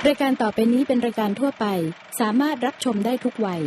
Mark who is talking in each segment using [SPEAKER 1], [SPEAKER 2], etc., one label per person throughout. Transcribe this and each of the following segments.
[SPEAKER 1] รายการต่อไปนี้เป็นรายการทั่วไปสามารถรับชมได้ทุกวัย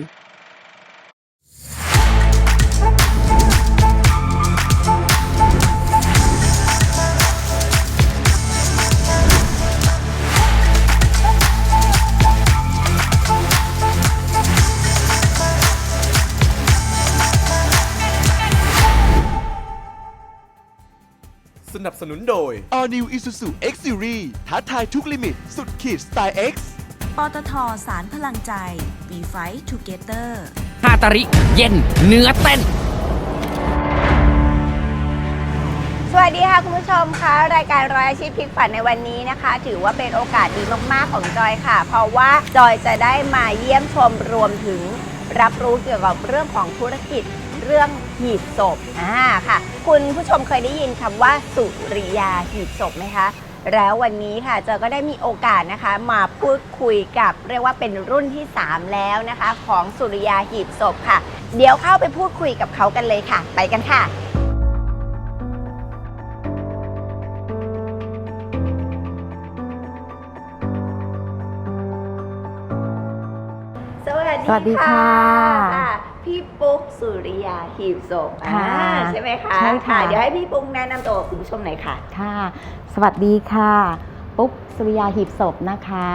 [SPEAKER 2] สนับสนุนโดย
[SPEAKER 3] All New Isuzu X Series ท้าทายทุกลิมิตสุดขีดสไตล์ X
[SPEAKER 4] ปตท.สารพลังใจ We Fight Together
[SPEAKER 5] ฮาตาริเย็นเนื้อเต้น
[SPEAKER 6] สวัสดีค่ะคุณผู้ชมคะรายการร้อยอาชีพพลิกฝันในวันนี้นะคะ ถือว่าเป็นโอกาสดีมากๆของจอยค่ะ เพราะว่าจอยจะได้มาเยี่ยมชมรวมถึงรับรู้เกี่ยวกับเรื่องของธุรกิจเรื่องหีบศพค่ะ คุณผู้ชมเคยได้ยินคำว่าสุริยาหีบศพไหมคะแล้ววันนี้ค่ะจอยก็ได้มีโอกาสนะคะมาพูดคุยกับเรียกว่าเป็นรุ่นที่3แล้วนะคะของสุริยาหีบศพค่ะเดี๋ยวเข้าไปพูดคุยกับเขากันเลยค่ะไปกันค่ะสวัสดีค่ะพี่ปุ๊กสุริยาหีบศพใช่ไหมคะใช่ค่ะเดี๋ยวให้พี่ปุ๊กแนะนำตัวคุณผู้ชมหน่อยค่ะ
[SPEAKER 7] ค่ะสวัสดีค่ะปุ๊กสุริยาหีบศพนะคะ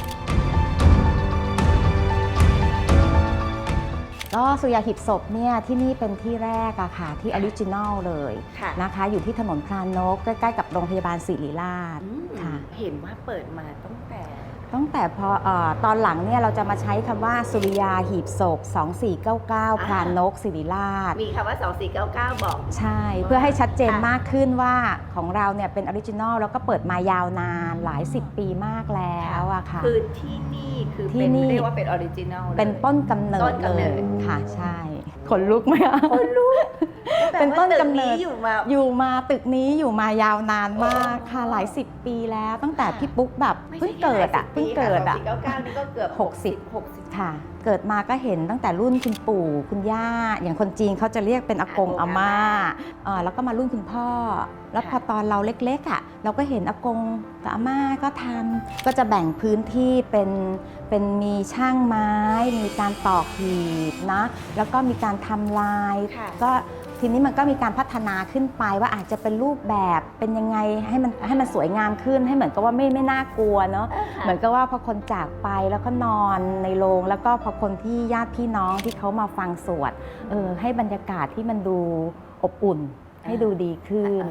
[SPEAKER 7] ก็สุริยาหีบศพเนี่ยที่นี่เป็นที่แรกอะค่ะที่ออริจินัลเลยนะคะอยู่ที่ถนนพรานกใกล้ๆกับโรงพยาบาลศิริราชค่ะ
[SPEAKER 6] เห็นว่าเปิดมาตั้งแต่
[SPEAKER 7] พอตอนหลังเนี่ยเราจะมาใช้คำว่าสุริยาหีบศพ2499พรานกศิริราช
[SPEAKER 6] มีคำว่า2499บอก
[SPEAKER 7] ใช่เพื่อให้ชัดเจนมากขึ้นว่าของเราเนี่ยเป็นออริจินัลแล้วก็เปิดมายาวนานหลาย10ปีมากแล้วอะค่ะ
[SPEAKER 6] คือที่นี่คือเป็นเรียกว่าเป็นออริจินัล
[SPEAKER 7] เป็นต้นกำเนิดเลยค่ะใช่ขนลุกไหมคะ
[SPEAKER 6] ขนลุก
[SPEAKER 7] เป็นต้นกำเนิดอยู่มาตึกนี้อยู่มายาวนานมากค่ะหลาย10ปีแล้วตั้งแต่พี่ปุ๊กแบบเพิ่งเกิด
[SPEAKER 6] 499นี่ก็เกือบ
[SPEAKER 7] 60ค่ะเกิดมาก็เห็นตั้งแต่รุ่นคุณปู่คุณย่าอย่างคนจีนเขาจะเรียกเป็นอากงอาม่าแล้วก็มารุ่นคุณพ่อแล้วพอตอนเราเล็กๆเราก็เห็นอากงกับอาม่าก็ทำก็จะแบ่งพื้นที่เป็นมีช่างไม้มีการตอกหีบนะแล้วก็มีการทำลายก็ทีนี้มันก็มีการพัฒนาขึ้นไปว่าอาจจะเป็นรูปแบบเป็นยังไงให้มันสวยงามขึ้นให้เหมือนกับว่าไม่น่ากลัวเนาะเหมือนกับว่าพอคนจากไปแล้วก็นอนในโรงแล้วก็พอคนที่ญาติพี่น้องที่เขามาฟังสวดให้บรรยากาศที่มันดูอบอุ่นให้ดูดีขึ้น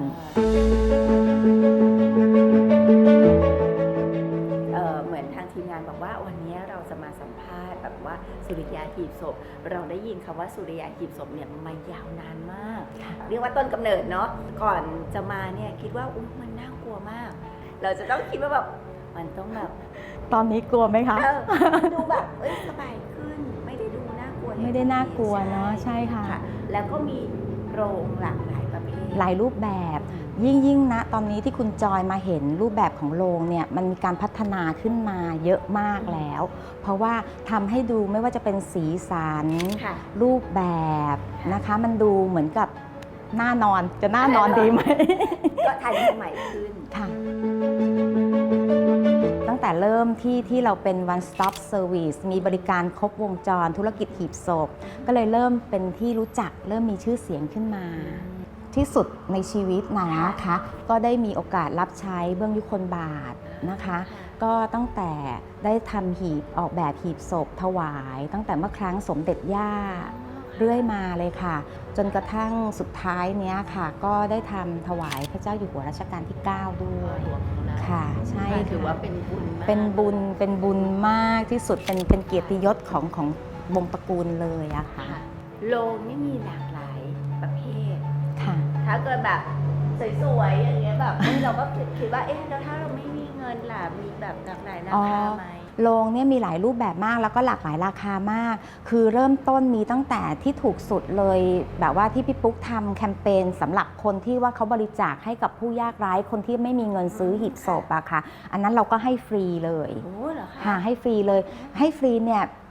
[SPEAKER 6] เหมือนทางทีมงานบอกว่าวันนี้เราจะมาสัมภาษณ์แบบว่าสุริยาหีบศพเราได้ยินคำว่าสุริยาหีบศพเนี่ยมายาวนานมากเรียกว่าต้นกำเนิดเนาะก่อนจะมาเนี่ยคิดว่ามันน่ากลัวมากเราจะต้องคิดว่าแบบมันต้องแบบ
[SPEAKER 7] ตอนนี้กลัวไหมคะ
[SPEAKER 6] ดูแบบสบายขึ้นไม่ได้ดูน่ากลัว
[SPEAKER 7] ไม่ได้น่ากลัวเนาะใช่ค่ะ
[SPEAKER 6] แล้วก็มีโรงหลากหลายประเภท
[SPEAKER 7] หลายรูปแบบยิ่งนะตอนนี้ที่คุณจอยมาเห็นรูปแบบของโรงเนี่ยมันมีการพัฒนาขึ้นมาเยอะมากแล้วเพราะว่าทำให้ดูไม่ว่าจะเป็นสีสันรูปแบบนะคะมันดูเหมือนกับน่านอนจะน่านอนดีไหม
[SPEAKER 6] ก็ทันสมัยขึ้น
[SPEAKER 7] ค่ะตั้งแต่เริ่มที่เราเป็น one stop service มีบริการครบวงจรธุรกิจหีบศพก็เลยเริ่มเป็นที่รู้จักเริ่มมีชื่อเสียงขึ้นมาที่สุดในชีวิตนะคะก็ได้มีโอกาสรับใช้เบื้องยุคลบาทนะคะก็ตั้งแต่ได้ทำหีบออกแบบหีบศพถวายตั้งแต่เมื่อครั้งสมเด็จย่าเรื่อยมาเลยค่ะจนกระทั่งสุดท้ายเนี้ยค่ะก็ได้ทำถวายพระเจ้าอยู่หัวรัชกาลที่9ด้วยค่ะใช่
[SPEAKER 6] ถือว่าเป็นบุญ
[SPEAKER 7] เป็นบุญมากที่สุดเป็นเกียรติยศของวงตระกูลเลยอะค่ะ
[SPEAKER 6] โรงนี่มีหลากหลายประเภท
[SPEAKER 7] ค่ะ
[SPEAKER 6] ถ้าเกิดแบบสวยๆอย่างเงี้ยแบบเราก็คิดว่าแล้วถ้าเราไม่มีเงินล่ะมีแบบหลากหลายราคาไหม
[SPEAKER 7] โรงเนี่ยมีหลายรูปแบบมากแล้วก็หลากหลายราคามากคือเริ่มต้นมีตั้งแต่ที่ถูกสุดเลยแบบว่าที่พี่ปุ๊กทำแคมเปญสำหรับคนที่ว่าเขาบริจาคให้กับผู้ยากไร้คนที่ไม่มีเงินซื้อหีบศพอะค่ะอันนั้นเราก็ให้ฟรีเลย
[SPEAKER 6] โอ้เหรอคะ
[SPEAKER 7] ให้ฟรีเลยให้ฟรีเนี่ย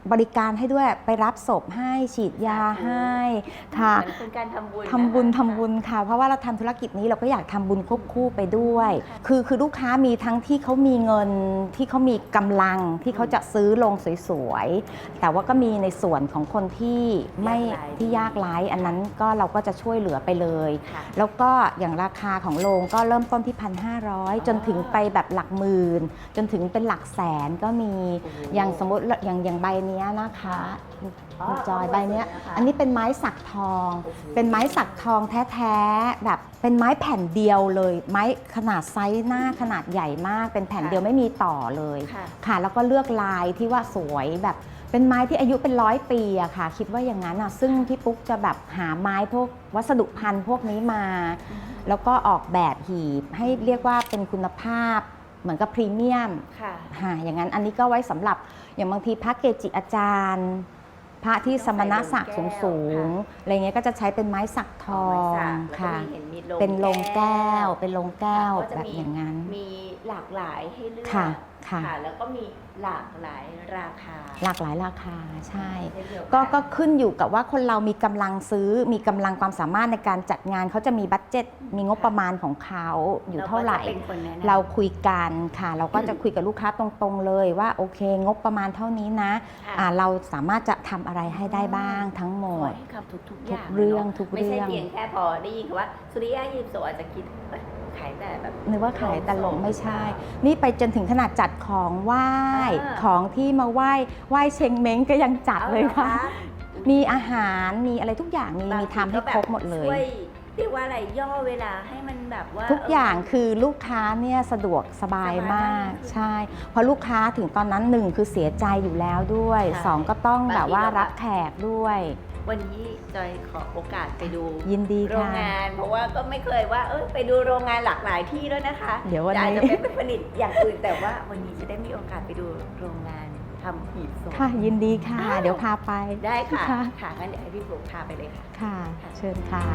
[SPEAKER 7] บริการให้ด้วยไปรับศพให้ฉีดยาให้ค่ะ
[SPEAKER 6] เหมือนเป็นการทำบุญ
[SPEAKER 7] ทำบุญค่ะเพราะว่าเราทำธุรกิจนี้เราก็อยากทำบุญควบคู่ไปด้วย คือลูกค้ามีทั้งที่เขามีเงินที่เขามีกำลังที่เขาจะซื้อลงสวยๆแต่ว่าก็มีในส่วนของคนที่ไม่ที่ยากไร้อันนั้นก็เราก็จะช่วยเหลือไปเลย แล้วก็อย่างราคาของโรงก็เริ่มต้นที่ 1,500 จนถึงไปแบบหลักหมื่นจนถึงเป็นหลักแสนก็มีอย่างสมมติอย่างใบเนี้ยนะคะคุณจอยใบเนี้ยอันนี้เป็นไม้สักทอง เป็นไม้สักทองแท้ๆแบบเป็นไม้แผ่นเดียวเลยไม้ขนาดไซส์หน้าขนาดใหญ่มากเป็นแผ่นเดียวไม่มีต่อเลยค่ะแล้วก็เลือกลายที่ว่าสวยแบบเป็นไม้ที่อายุเป็น100 ปีอะค่ะคิดว่าอย่างนั้นอะซึ่งพี่ปุ๊กจะแบบหาไม้พวกวัสดุพันธุ์พวกนี้มา แล้วก็ออกแบบหีบให้เรียกว่าเป็นคุณภาพเหมือนกับพรีเมียมค่ะอย่างนั้นอันนี้ก็ไว้สำหรับอย่างบางทีพระเกจิอาจารย์พระที่สมณศักดิ์สูงๆอะไรเงี้ยก็จะใช้เป็นไม้สักทองค่ะเป็นโลงแก้วเป็นโลงแก้วแบบอย่างนั้น
[SPEAKER 6] มีหลากหลายให้เลือก
[SPEAKER 7] ค่ะ
[SPEAKER 6] แล้วก็มีหลากหลายราคา
[SPEAKER 7] ใช่ก็ขึ้นอยู่กับว่าคนเรามีกำลังซื้อมีกำลังความสามารถในการจัดงานเขาจะมีบัดเจ็ตมีงบประมาณของเขาอยู่เท่าไหร่เราคุยกันค่ะเราก็จะคุยกับลูกค้าตรงๆเลยว่าโอเคงบประมาณเท่านี้นะเราสามารถจะทำอะไรให้ได้บ้างทั้งหมด
[SPEAKER 6] ทุกอย่าง
[SPEAKER 7] เรื่อง
[SPEAKER 6] ไม่ใช่เพียงแค่พอได้ยินว่าสุริยะยิปโซอาจจะคิดขายแต่แบบ
[SPEAKER 7] นึกว่าขายแต่ลงไม่ใช่นี่ไปจนถึงขนาดจัดของไหว้ของที่มาไหว้เชงเม้งก็ยังจัดเลยค่ะมีอาหารมีอะไรทุกอย่างมีทำให้ครบหมดเลย
[SPEAKER 6] เรียกว่าอะไรย่อเวลาให้มันแบบว่า
[SPEAKER 7] ทุกอย่างคือลูกค้าเนี่ยสะดวกสบายมากใช่เพราะลูกค้าถึงตอนนั้น1คือเสียใจอยู่แล้วด้วย2ก็ต้องแบบว่ารับแขกด้วย
[SPEAKER 6] วันนี้จอยขอโอกาสไปดู
[SPEAKER 7] ยินดี
[SPEAKER 6] โรงงานเพราะว่าก็ไม่เคยว่าไปดูโรงงานหลากหลายที่แล้วนะคะ
[SPEAKER 7] เดี๋ยววันนี้
[SPEAKER 6] จะเป็นผลิตอย่างอื่นแต่ว่าวันนี้จะได้มีโอกาสไปดูโรงงานทำหีบศพ
[SPEAKER 7] ค่ะยินดีค่ะเดี๋ยวพาไป
[SPEAKER 6] ได้ค่ะงั้นเดี๋ยวให้พี่ปุ๊กพาไปเลยค่ะ
[SPEAKER 7] ค่ะเชิญค่ะ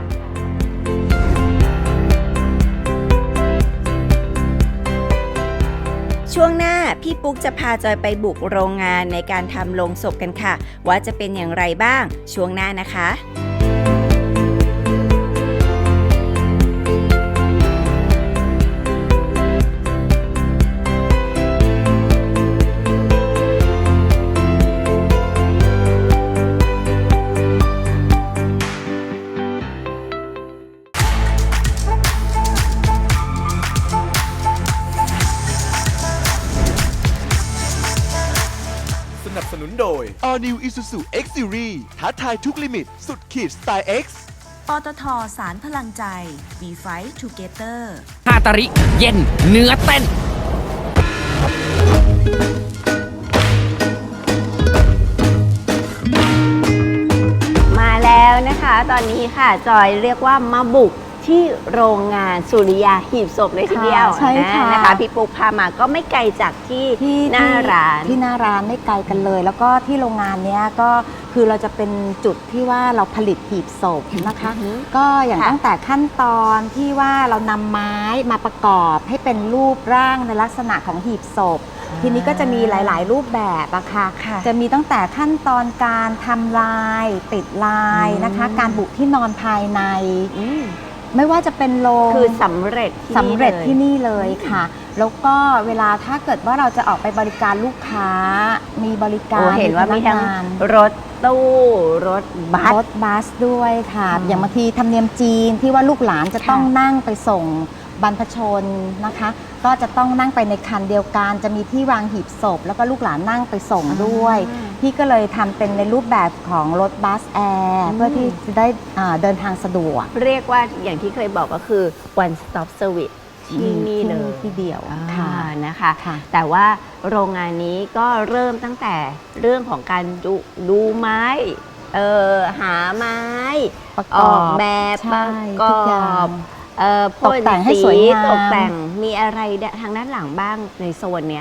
[SPEAKER 6] ช่วงหน้าพี่ปุ๊กจะพาจอยไปบุกโรงงานในการทำโลงศพกันค่ะว่าจะเป็นอย่างไรบ้างช่วงหน้านะคะ
[SPEAKER 2] สนับสนุนโดย
[SPEAKER 3] All New Isuzu X Series ท้าทายทุกลิมิตสุดขีดสไตล์ X
[SPEAKER 4] ปตท.สารพลังใจ We Fight Together
[SPEAKER 5] ฮาตาริเย็นเนื้อเต้น
[SPEAKER 6] มาแล้วนะคะตอนนี้ค่ะจอยเรียกว่ามาบุกที่โรงงานสุริยาหีบศพเลยทีเดียว
[SPEAKER 7] ใช่ค่ะ
[SPEAKER 6] นะคะพี่ปุ๊กพามาก็ไม่ไกลจากที่หน้าร้าน
[SPEAKER 7] ไม่ไกลกันเลยแล้วก็ที่โรงงานนี้ก็คือเราจะเป็นจุดที่ว่าเราผลิตหีบศพนะคะก็อย่างตั้งแต่ขั้นตอนที่ว่าเรานำไม้มาประกอบให้เป็นรูปร่างในลักษณะของหีบศพทีนี้ก็จะมีหลายๆรูปแบบอะค่ะจะมีตั้งแต่ขั้นตอนการทำลายติดลายนะคะการบุที่นอนภายในไม่ว่าจะเป็นโรง
[SPEAKER 6] คือสำเร็จ
[SPEAKER 7] ที่นี่เลยค่ะแล้วก็เวลาถ้าเกิดว่าเราจะออกไปบริการลูกค้ามีบริการ
[SPEAKER 6] เห็นว่ามีทั้งรถตู้รถ
[SPEAKER 7] บัสด้วยค่ะอย่างบางทีธรรมเนียมจีนที่ว่าลูกหลานจะต้องนั่งไปส่งบรรพชนนะคะก็จะต้องนั่งไปในคันเดียวกันจะมีที่วางหีบศพแล้วก็ลูกหลานนั่งไปส่งด้วยพี่ก็เลยทำเป็นในรูปแบบของรถบัสแอร์เพื่อที่จะได้เดินทางสะดวก
[SPEAKER 6] เรียกว่าอย่างที่เคยบอกก็คือ one stop service ที่นี่เลย
[SPEAKER 7] ที่เดียว
[SPEAKER 6] นะคะแต่ว่าโรงงานนี้ก็เริ่มตั้งแต่เรื่องของการดูไม้หาไม้ออกแบบประกอบ
[SPEAKER 7] ตกแต่งให้สวยงาม
[SPEAKER 6] ตกแต่งมีอะไรทางด้านหลังบ้างในโซนนี้ค่ะ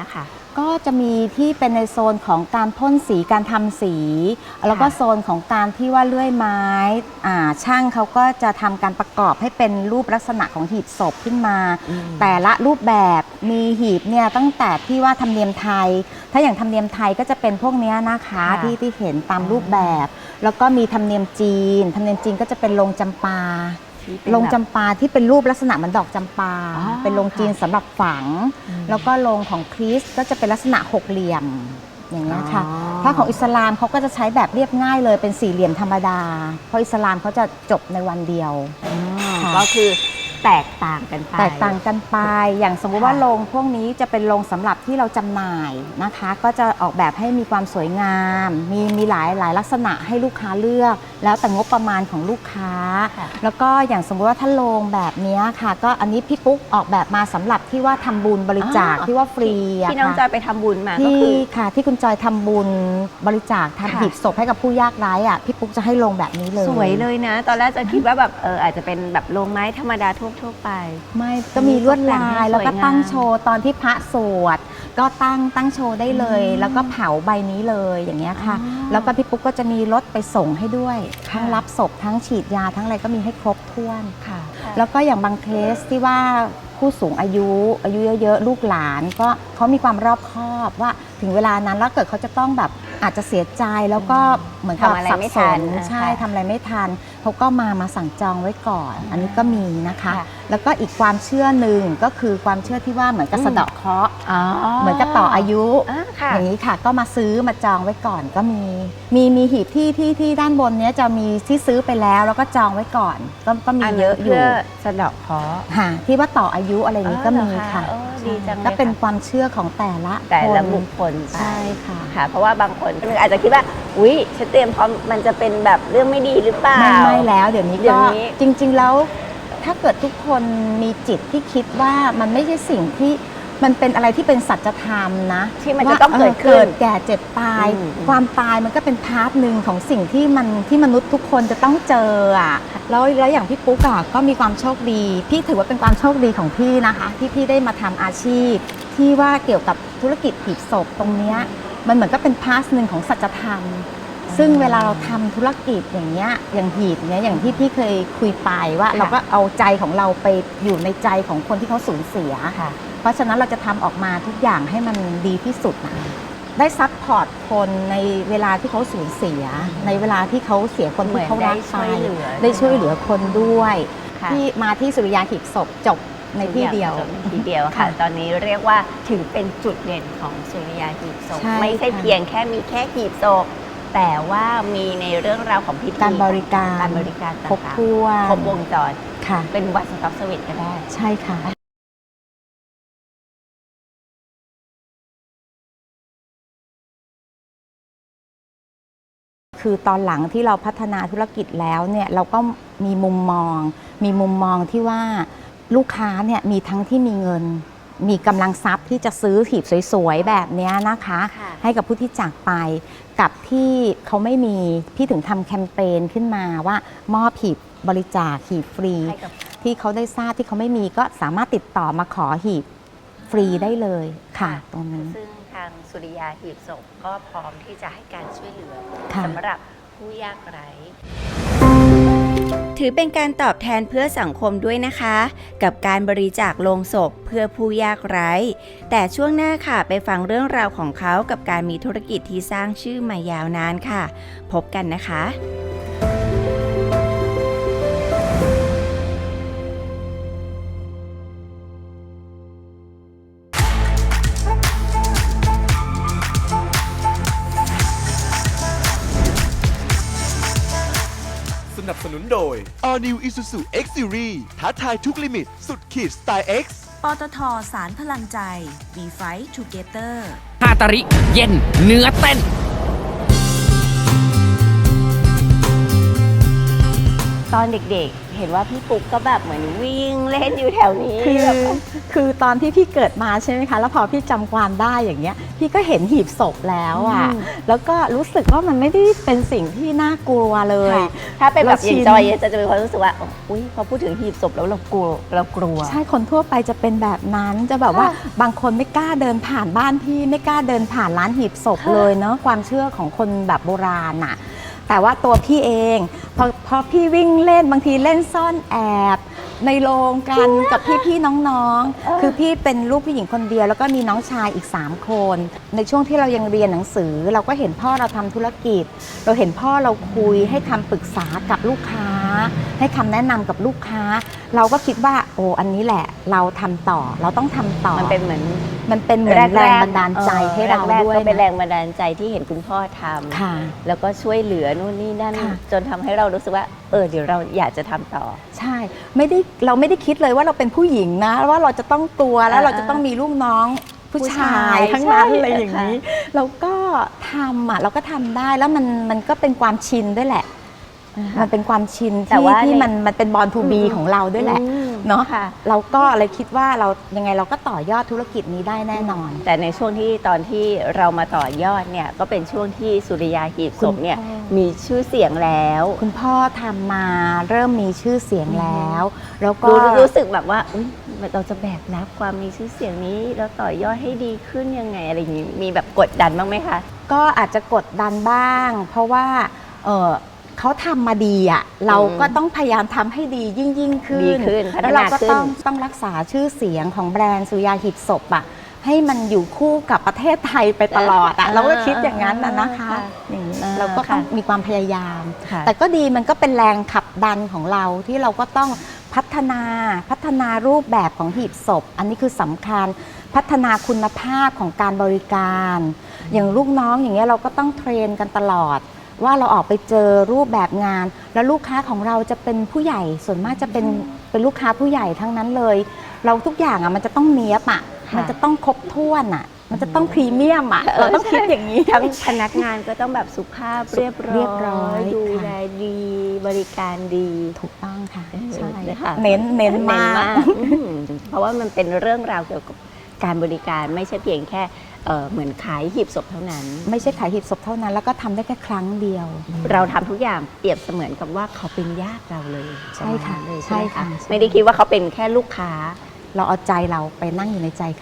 [SPEAKER 7] ก็จะมีที่เป็นในโซนของการพ่นสีการทำสี แล้วก็โซนของการที่ว่าเลื่อยไม้ช่างเขาก็จะทำการประกอบให้เป็นรูปลักษณะของหีบศพขึ้นมา แต่ละรูปแบบมีหีบเนี่ยตั้งแต่ที่ว่าธรรมเนียมไทย ถ้าอย่างธรรมเนียมไทยก็จะเป็นพวกเนี้ยนะคะที่เห็นตามรูปแบบ แล้วก็มีธรรมเนียมจีนก็จะเป็นโรงจำปาโรงจำปาที่เป็นรูปลักษณะเหมือนดอกจำปาเป็นโรงจีนสำหรับฝัง แล้วก็โรงของคริสต์ก็จะเป็นลักษณะหกเหลี่ยมอย่างนี้ค่ะถ้าของอิสลามเขาก็จะใช้แบบเรียบง่ายเลยเป็นสี่เหลี่ยมธรรมดาเพราะอิสลามเขาจะจบในวันเดียว
[SPEAKER 6] ก็คือแตกต่างกันไป
[SPEAKER 7] อย่างสมมุติว่าโรงพวกนี้จะเป็นโรงสำหรับที่เราจำหน่ายนะคะ ก็จะออกแบบให้มีความสวยงามมีหลายลักษณะให้ลูกค้าเลือกแล้วแต่งบประมาณของลูกค้าแล้วก็อย่างสมมุติว่าถ้าโรงแบบนี้ค่ะก็อันนี้พี่ปุ๊กออกแบบมาสำหรับที่ว่าทำบุญบริจาคที่ว่าฟรี
[SPEAKER 6] ที่น้องจอยไปทำบุญมาก็
[SPEAKER 7] คือค่ะที่คุณจอยทำบุญบริจาคทำหีบศพให้กับผู้ยากไร้พี่ปุ๊กจะให้โรงแบบนี้เลย
[SPEAKER 6] สวยเลยนะตอนแรกจะคิดว่าแบบอาจจะเป็นแบบโรงไม้ธรรมดาทั่วไป
[SPEAKER 7] ไม่ก็มีลวดลายแล้วก็ตั้งโชว์ตอนที่พระสวดก็ตั้งโชว์ได้เลยแล้วก็เผาใบนี้เลยอย่างเงี้ยค่ะแล้วก็พี่ปุ๊กก็จะมีรถไปส่งให้ด้วยทั้งรับศพทั้งฉีดยาทั้งอะไรก็มีให้ครบถ้วนค่ะแล้วก็อย่างบางเคสที่ว่าผู้สูงอายุเยอะๆลูกหลานก็เขามีความรอบคอบว่าถึงเวลานั้นแล้วเกิดเขาจะต้องแบบอาจจะเสียใจแล้วก็เหมือนกับสับสนใช่ทำอะไรไม่ทันเขาก็มาสั่งจองไว้ก่อนอันนี้ก็มีนะคะแล้วก็อีกความเชื่อหนึ่งก็คือความเชื่อที่ว่าเหมือนกับสะเดาะเคราะห์เหมือนกับต่ออายุอย่างนี้ค่ะก็มาซื้อมาจองไว้ก่อนก็มีหีบที่ด้านบนนี้จะมีที่ซื้อไปแล้วก็จองไว้ก่อนก็มีเยอะอยู่
[SPEAKER 6] สะเดาะเคราะห์
[SPEAKER 7] ที่ว่าต่ออายุอะไรอย่างนี้ก็มีค่ะก็เป็นความเชื่อของแต่ละ
[SPEAKER 6] บุคคล
[SPEAKER 7] ใช่
[SPEAKER 6] ค่ะเพราะว่าบางคนอาจจะคิดว่าอุ๊ยฉันเตรียมพร้อมมันจะเป็นแบบเรื่องไม่ดีหรือเปล่า
[SPEAKER 7] ไม่แล้วเดี๋ยวนี้ก็จริงๆแล้วถ้าเกิดทุกคนมีจิตที่คิดว่ามันไม่ใช่สิ่งที่มันเป็นอะไรที่เป็นสัจธรรมนะ
[SPEAKER 6] ที่มันจะต้องเกิด
[SPEAKER 7] แก่เจ็บตายความตายมันก็เป็นพาร์ทหนึ่งของสิ่งที่มนุษย์ทุกคนจะต้องเจอแล้วอย่างพี่ปุ๊กก็มีความโชคดีพี่ถือว่าเป็นความโชคดีของพี่นะคะที่พี่ได้มาทำอาชีพที่ว่าเกี่ยวกับธุรกิจหีบศพตรงนี้มันเหมือนก็เป็นพาร์ทหนึ่งของสัจธรรมซึ่งเวลาเราทำธุรกิจอย่างเงี้ยอย่างหีบเนี้ยอย่างที่พี่เคยคุยไปว่าเราก็เอาใจของเราไปอยู่ในใจของคนที่เขาสูญเสียเพราะฉะนั้นเราจะทำออกมาทุกอย่างให้มันดีที่สุดนะได้ซัพพอร์ตคนในเวลาที่เขาสูญเสียในเวลาที่เขาเสียคนที่เขารักไปได้ช่วยเหลือคนด้วยที่มาที่สุริยาหีบศพจบในที่เดียว
[SPEAKER 6] ค่ะตอนนี้เรียกว่าถือเป็นจุดเด่นของสุริยาหีบศพไม่ใช่เพียงแค่มีแค่หีบศพแต่ว่ามีในเรื่องราวของพิธี
[SPEAKER 7] การบริการครบถ้วน
[SPEAKER 6] ครบวงจร
[SPEAKER 7] ค่ะ
[SPEAKER 6] เป็นวันสต็อปเซอร์วิสก็ได้
[SPEAKER 7] ใช่ค่ะคือตอนหลังที่เราพัฒนาธุรกิจแล้วเนี่ยเราก็มีมุมมองที่ว่าลูกค้าเนี่ยมีทั้งที่มีเงินมีกำลังทรัพย์ที่จะซื้อหีบสวยๆแบบนี้นะคะให้กับผู้ที่จากไปกับที่เขาไม่มีพี่ถึงทำแคมเปญขึ้นมาว่ามอบหีบบริจาคหีบฟรีที่เขาได้ทราบที่เขาไม่มีก็สามารถติดต่อมาขอหีบฟรีได้เลยค่ะตรงนี้
[SPEAKER 6] ซึ่งทางสุริยาหีบศพก็พร้อมที่จะให้การช่วยเหลือสำหรับผู้ยากไร้ถือเป็นการตอบแทนเพื่อสังคมด้วยนะคะกับการบริจาคโลงศพเพื่อผู้ยากไร้แต่ช่วงหน้าค่ะไปฟังเรื่องราวของเขากับการมีธุรกิจที่สร้างชื่อมายาวนานค่ะพบกันนะคะ
[SPEAKER 2] สนับสนุนโดย
[SPEAKER 3] All New Isuzu X Series ท้าทายทุกลิมิตสุดขีดสไตล์ X
[SPEAKER 4] ปตท.สารพลังใจ We Fight Together
[SPEAKER 5] ฮาตาริเย็นเนื้อเต้น
[SPEAKER 6] ตอนเด็กๆ เห็นว่าพี่ปุ๊กก็แบบเหมือนวิ่งเล่นอยู่แถวนี้
[SPEAKER 7] คือตอนที่พี่เกิดมาใช่ไหมคะ แล้วพอพี่จำความได้อย่างเงี้ยพี่ก็เห็นหีบศพแล้วอ่ะแล้วก็รู้สึกว่ามันไม่ได้เป็นสิ่งที่น่ากลัวเลย
[SPEAKER 6] ถ้าเป็นแบบอย่างจอย
[SPEAKER 7] เราชิน
[SPEAKER 6] จะมีความรู้สึกว่าอุ้ยพอพูดถึงหีบศพแล้วเรากลัว
[SPEAKER 7] ใช่คนทั่วไปจะเป็นแบบนั้นจะแบบว่าบางคนไม่กล้าเดินผ่านบ้านพี่ไม่กล้าเดินผ่านร้านหีบศพเลยเนาะความเชื่อของคนแบบโบราณน่ะแต่ว่าตัวพี่เองพอพี่วิ่งเล่นบางทีเล่นซ่อนแอบในโรงกันกับพี่ๆน้องๆคือพี่เป็นลูกผู้หญิงคนเดียวแล้วก็มีน้องชายอีก3คนในช่วงที่เรายังเรียนหนังสือเราก็เห็นพ่อเราทำธุรกิจเราเห็นพ่อเราคุยให้คำปรึกษากับลูกค้าให้คำแนะนำกับลูกค้าเราก็คิดว่าโอ้อันนี้แหละเราทำต่อเราต้องทำต่อ
[SPEAKER 6] มันเป็นเหมือน
[SPEAKER 7] แรงบันดาลใจให้เรา
[SPEAKER 6] แรก
[SPEAKER 7] ด้วย
[SPEAKER 6] ก็เป็นแร
[SPEAKER 7] นะ
[SPEAKER 6] งบันดาลใจที่เห็นคุณพ่อทำ
[SPEAKER 7] ค่ะ
[SPEAKER 6] แล้วก็ช่วยเหลือนู่นนี่นั่น
[SPEAKER 7] ค่ะ
[SPEAKER 6] จนทำให้เรารู้สึกว่าเดี๋ยวเราอยากจะทำต่อ
[SPEAKER 7] ใช่เราไม่ได้คิดเลยว่าเราเป็นผู้หญิงนะว่าเราจะต้องกลัวแล้วเราจะต้องมีลูกน้องผู้ชายทั้งนั้น
[SPEAKER 6] ใช่
[SPEAKER 7] อะไรอย่างนี้เราก็ทำเราก็ทำได้แล้วมันก็เป็นความชินด้วยแหละ มันเป็นความชิน
[SPEAKER 6] แต่
[SPEAKER 7] ที่
[SPEAKER 6] ว่า
[SPEAKER 7] ที่
[SPEAKER 6] ใน
[SPEAKER 7] มันเป็นบอลทูบีของเราด้วยแหละ
[SPEAKER 6] อืม
[SPEAKER 7] เนาะ
[SPEAKER 6] ค่ะ
[SPEAKER 7] เราก็เลยคิดว่าเรายังไงเราก็ต่อยอดธุรกิจนี้ได้แน่นอน
[SPEAKER 6] แต่ในช่วงที่ตอนที่เรามาต่อยอดเนี่ยก็เป็นช่วงที่สุริยาหีบศพเนี่ย
[SPEAKER 7] คุณพ่อ
[SPEAKER 6] มีชื่อเสียงแล้ว
[SPEAKER 7] คุณพ่อทำมาเริ่มมีชื่อเสียงแล้ว แล้วก็
[SPEAKER 6] รู้สึกแบบว่าอุ๊ยเราจะแบกรับความมีชื่อเสียงนี้แล้วต่อยอดให้ดีขึ้นยังไงอะไรอย่างนี้มีแบบกดดันบ้างไหมคะ
[SPEAKER 7] ก็อาจจะกดดันบ้าง เพราะว่าเขาทำมาดีอ่ะเราก็ต้องพยายามทำให้ดียิ่งขึ้น
[SPEAKER 6] ดีขึ้นพัฒนา
[SPEAKER 7] แล้วเราก็
[SPEAKER 6] ขึ้น
[SPEAKER 7] ต้องรักษาชื่อเสียงของแบรนด์สุริยาหีบศพอ่ะให้มันอยู่คู่กับประเทศไทยไปตลอดอ่ะเราก็คิดอย่างนั้นนะคะอย่างนี้เราก็ต้องมีความพยายาม
[SPEAKER 6] ค่ะ
[SPEAKER 7] แต่ก็ดีมันก็เป็นแรงขับดันของเราที่เราก็ต้องพัฒนารูปแบบของหีบศพ อันนี้คือสำคัญพัฒนาคุณภาพของการบริการ อย่างลูกน้องอย่างเงี้ยเราก็ต้องเทรนกันตลอด ว่าเราออกไปเจอรูปแบบงาน แล้วลูกค้าของเราจะเป็นผู้ใหญ่ส่วนมากจะเป็นลูกค้าผู้ใหญ่ทั้งนั้นเลย เราทุกอย่างอ่ะมันจะต้องเนี้ยบอ่ะมันจะต้องครบถ้วนอ่ะมันจะต้องพรีเมียมอ่ะเราต้องคิดอย่างนี้
[SPEAKER 6] ทั้งพนักงานก็ต้องแบบสุภาพเรียบ
[SPEAKER 7] เรียบร้
[SPEAKER 6] ร้
[SPEAKER 7] อ
[SPEAKER 6] อย ยดู
[SPEAKER 7] ค่ะ
[SPEAKER 6] แลดีบริการดี
[SPEAKER 7] ถูกต้องค่ะใช่
[SPEAKER 6] ค่ะ
[SPEAKER 7] เน้นมาก
[SPEAKER 6] เพราะว่ามันเป็นเรื่องราวเกี่ยวกับการบริการไม่ใช่เพียงแค่เหมือนขายหีบศพเท่านั้น
[SPEAKER 7] ไม่ใช่ขายหีบศพเท่านั้นแล้วก็ทำได้แค่ครั้งเดียว
[SPEAKER 6] เราทำทุกอย่างเปรียบเสมือนกับว่าเขาเป็นญาติเราเลย
[SPEAKER 7] ใช่ค่ะ
[SPEAKER 6] ประมาณนั้นเลย
[SPEAKER 7] ใช่ค่ะ
[SPEAKER 6] ไหมไม่ได้คิดว่าเขาเป็นแค่ลูกค้า
[SPEAKER 7] เราเอาใจเราไปนั่งอยู่ในใจเขา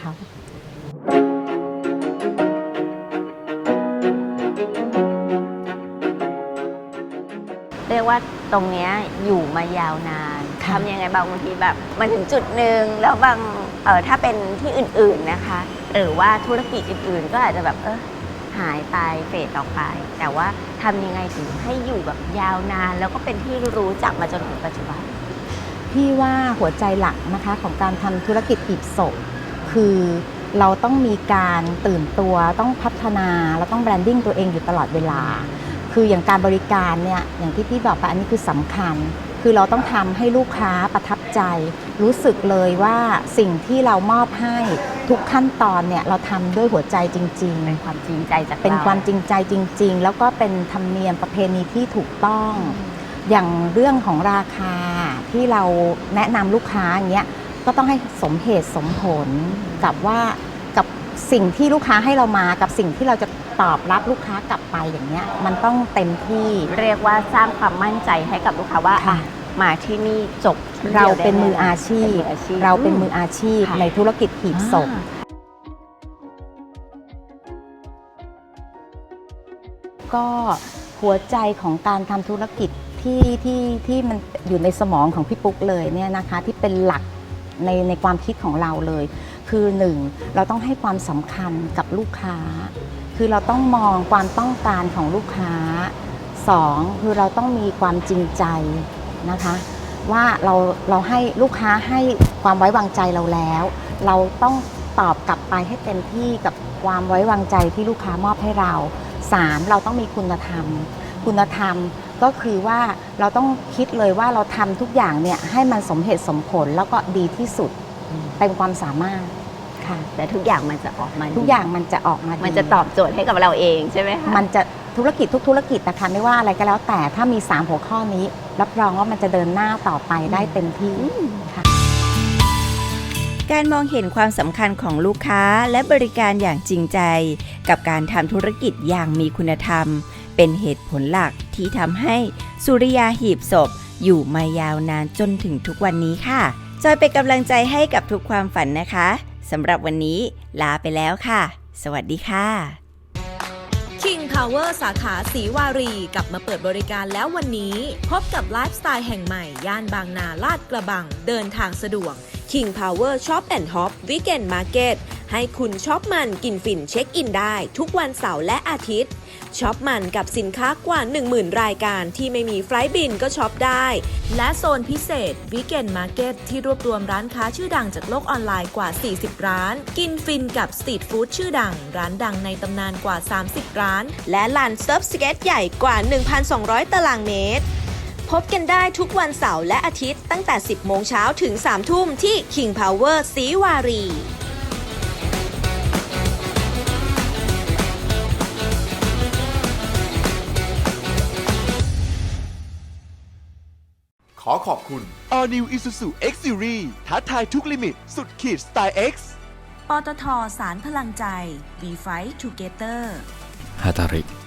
[SPEAKER 6] เรียกว่าตรงเนี้ยอยู่มายาวนานทำยังไงบางทีแบบมันถึงจุดหนึ่งแล้วบางถ้าเป็นที่อื่นๆนะคะ หรือว่าธุรกิจอื่นๆ ก็อาจจะแบบหายไปเฟดออกไป แต่ว่าทำยังไงถึงให้อยู่แบบยาวนาน แล้วก็เป็นที่รู้จักมาจนถึงปัจจุบัน
[SPEAKER 7] พี่ว่าหัวใจหลักนะคะของการทำธุรกิจหีบศพคือเราต้องมีการตื่นตัวต้องพัฒนาแล้วต้องแบรนดิ้งตัวเองอยู่ตลอดเวลา คืออย่างการบริการเนี่ยอย่างที่พี่บอกไปอันนี้คือสำคัญ คือเราต้องทำให้ลูกค้าประทับใจ รู้สึกเลยว่าสิ่งที่เรามอบให้ทุกขั้นตอนเนี่ยเราทำด้วยหัวใจจริงๆ
[SPEAKER 6] เป็นความจริงใจจาก
[SPEAKER 7] เป็น
[SPEAKER 6] เรา
[SPEAKER 7] ความจริงใจจริง ๆ แล้วก็เป็นธรรมเนียมประเพณีที่ถูกต้อง อย่างเรื่องของราคาที่เราแนะนำลูกค้าอย่างเงี้ยก็ต้องให้สมเหตุสมผลกับสิ่งที่ลูกค้าให้เรามากับสิ่งที่เราจะตอบรับลูกค้ากลับไปอย่างเงี้ยมันต้องเต็มที่
[SPEAKER 6] เรียกว่าสร้างความมั่นใจให้กับลูกค้าว่า
[SPEAKER 7] ค่ะ
[SPEAKER 6] มาที่นี่จบที่
[SPEAKER 7] เรา
[SPEAKER 6] ดียวได้
[SPEAKER 7] เป็นมืออาชีพ
[SPEAKER 6] เป็นมืออาชีพ
[SPEAKER 7] เราเป็นมืออาชีพ
[SPEAKER 6] ค่ะ
[SPEAKER 7] ในธุรกิจหีบศพ ก็หัวใจของการทำธุรกิจที่มันอยู่ในสมองของพี่ปุ๊กเลยเนี่ยนะคะที่เป็นหลักในความคิดของเราเลย คือหนึ่งเราต้องให้ความสำคัญกับลูกค้า คือเราต้องมองความต้องการของลูกค้าสองคือเราต้องมีความจริงใจนะคะว่าเราให้ลูกค้าให้ความไว้วางใจเราแล้ว เราต้องตอบกลับไปให้เต็มที่กับความไว้วางใจที่ลูกค้ามอบให้เรา 3. เราต้องมีคุณธรรม คุณธรรมก็คือว่าเราต้องคิดเลยว่าเราทำทุกอย่างเนี่ยให้มันสมเหตุสมผลแล้วก็ดีที่สุดเต็มความสามารถค่ะ
[SPEAKER 6] แต่ทุกอย่างมันจะออกมา
[SPEAKER 7] ทุกอย่างมันจะออกมาดี
[SPEAKER 6] มันจะตอบโจทย์ให้กับเราเองใช่ไหมคะ
[SPEAKER 7] มันจะธุรกิจทุกธุรกิจนะคะไม่ว่าอะไรก็แล้วแต่ถ้ามี3หัวข้อนี้รับรองว่ามันจะเดินหน้าต่อไปได้เต็มที่ค่ะ
[SPEAKER 6] การมองเห็นความสำคัญของลูกค้าและบริการอย่างจริงใจกับการทำธุรกิจอย่างมีคุณธรรมเป็นเหตุผลหลักที่ทำให้สุริยาหีบศพอยู่มายาวนานจนถึงทุกวันนี้ค่ะจอยเป็นกำลังใจให้กับทุกความฝันนะคะสำหรับวันนี้ลาไปแล้วค่ะสวัสดีค่ะ
[SPEAKER 8] King Power สาขาศรีวารีกลับมาเปิดบริการแล้ววันนี้ พบกับไลฟ์สไตล์แห่งใหม่ย่านบางนาลาดกระบังเดินทางสะดวก King Power Shop and Hop Weekend Market ให้คุณช็อปมันกินฝิ่นเช็คอินได้ทุกวันเสาร์และอาทิตย์ช็อปมันกับสินค้ากว่า 10,000 รายการที่ไม่มีไฟล์บินก็ช็อปได้และโซนพิเศษ Weekend Market ที่รวบรวมร้านค้าชื่อดังจากโลกออนไลน์กว่า 40 ร้านกินฟินกับสตรีทฟู้ดชื่อดังร้านดังในตำนานกว่า 30 ร้านและลานเซิร์ฟสเก็ตใหญ่กว่า 1,200 ตารางเมตรพบกันได้ทุกวันเสาร์และอาทิตย์ตั้งแต่ 10 โมงเช้าถึง 3 ทุ่มที่ King Power ศรีวารี
[SPEAKER 2] ขอขอบคุณ
[SPEAKER 3] All New Isuzu X Series ท้าทายทุกลิมิตสุดขีดสไตล์ X
[SPEAKER 4] ปตทสารพลังใจ We Fight Together
[SPEAKER 5] ฮาตาริ